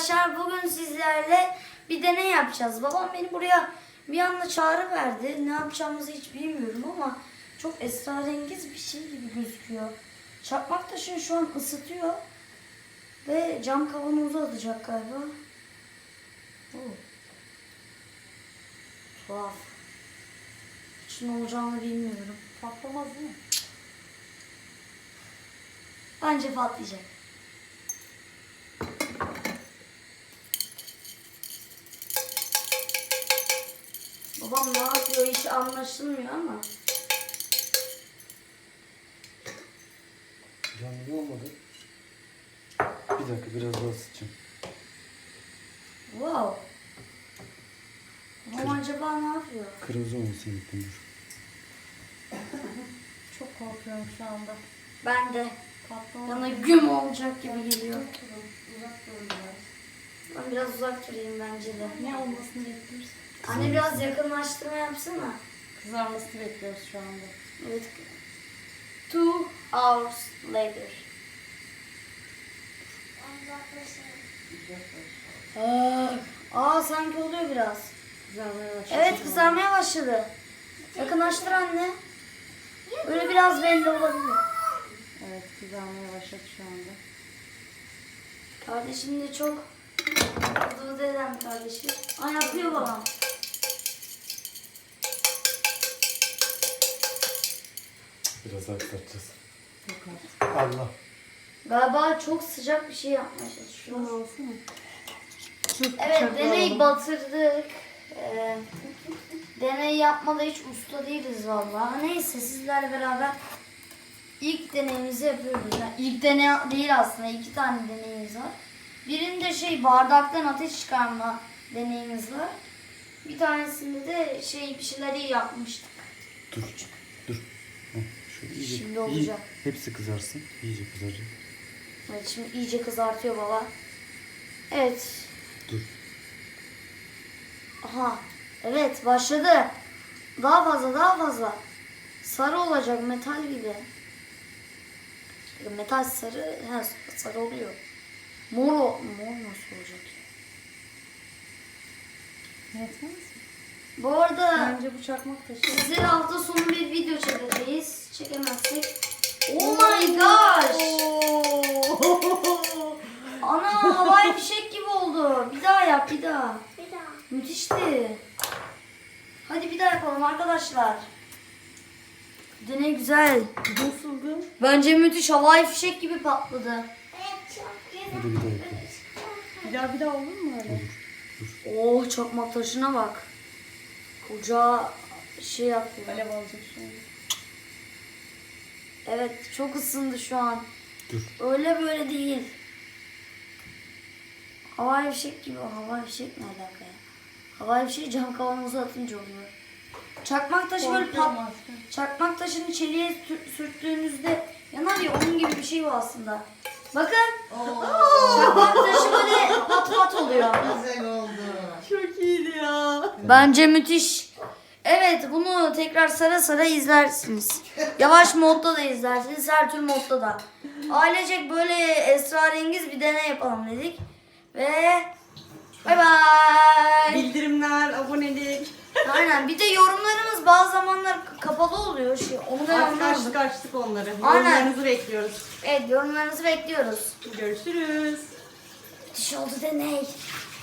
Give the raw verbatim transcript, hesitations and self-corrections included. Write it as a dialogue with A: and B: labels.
A: arkadaşlar, bugün sizlerle bir deney yapacağız. Babam beni buraya bir anda çağrı verdi. Ne yapacağımızı hiç bilmiyorum ama çok esrarengiz bir şey gibi gözüküyor. Çakmak taşını şu an ısıtıyor ve cam kavanozu atacak galiba. Oo. Tuhaf. Hiç ne olacağını bilmiyorum.
B: Patlamaz değil mi?
A: Bence patlayacak. Babam ne yapıyor hiç anlaşılmıyor ama.
C: Canlı olmadı. Bir dakika biraz daha ısıtacağım.
A: Wow. Babam acaba ne yapıyor?
C: Kırmızı olmasın lütfen.
B: Çok korkuyorum şu anda.
A: Ben de.
B: Patlama.
A: Bana güm olacak gibi geliyor.
B: Uzak durun biraz.
A: Ben biraz uzak durayım bence de.
B: Ne olmasını bekliyoruz?
A: Anne biraz yakınlaştırma yapsana.
B: Kızarmasını bekliyoruz şu anda.
A: Evet. Two hours later. Aa, aa sanki oluyor biraz.
B: Kızarmaya başladı.
A: Evet kızarmaya başladı. Yakınlaştır anne. Böyle biraz belli olabilir.
B: Evet kızarmaya başladı şu anda.
A: Kardeşim de çok hızlı eden kardeşim. Aa yapıyor babam.
C: Biraz daha ısıtacağız.
B: Yok artık.
C: Allah.
A: Galiba çok sıcak bir şey yapmaya çalışıyor.
B: Şunu alsana.
A: Evet deney batırdık. Ee, deney yapmada hiç usta değiliz vallahi. Neyse sizlerle beraber ilk deneyimizi yapıyoruz. Yani ilk deney değil aslında, iki tane deneyimiz var. Birinde şey bardaktan ateş çıkarma deneyimiz var. Bir tanesinde de şey bir şeyleri yapmıştık.
C: Dur. Dur. Heh, şöyle iyice,
A: Şimdi
C: iyi-
A: olacak.
C: hepsi kızarsın. İyice kızaracak.
A: Evet şimdi iyice kızartıyor baba. Evet.
C: Dur.
A: Aha. Evet başladı. Daha fazla daha fazla. Sarı olacak metal gibi. Metal sarı, he, sarı oluyor. Mor, o- mor nasıl olacak?
B: Yetmez mi?
A: Bu arada
B: Bence bu çakmak taşı.
A: size hafta sonu bir video çekeceğiz. Çekemezsek. Oh my gosh! Ana havai fişek gibi oldu. Bir daha yap bir daha.
D: Bir daha.
A: Müthişti. Hadi bir daha yapalım arkadaşlar. Deney güzel.
B: Nasıldı?
A: Bence müthiş havai fişek gibi patladı.
D: Evet çok güzel.
C: Hadi bir daha yapalım.
B: Bir daha bir daha olur mu öyle?
A: Oh çakmak taşına bak. Ocağa şey yapıyor.
B: Alev alacak şu an.
A: Evet çok ısındı şu an.
C: Dur.
A: Öyle böyle değil. Havai fişek gibi. Havai fişek ne alaka ya? Havai fişek cam kavanoza atınca oluyor. Çakmak taşı böyle pat...
B: Korkuyorum artık.
A: Çakmak taşını çeliğe sür- sürttüğünüzde yanar ya, onun gibi bir şey bu aslında. Bakın. Çakmak taşı böyle pat pat oluyor.
E: Güzel oldu.
B: Çok iyiydi ya.
A: Bence müthiş. Evet bunu tekrar sara sara izlersiniz. Yavaş modda da izlersiniz, her tür modda da. Ailecek böyle esrarengiz bir deney yapalım dedik. Ve bay bay.
B: Bildirimler, abonelik.
A: Aynen, bir de yorumlarımız bazı zamanlar kapalı oluyor. Şey, onu da
B: Artık
A: anlamadım.
B: açtık açtık onları.
A: Aynen.
B: Yorumlarınızı bekliyoruz.
A: Evet yorumlarınızı bekliyoruz.
B: Görüşürüz.
A: Müthiş oldu deney.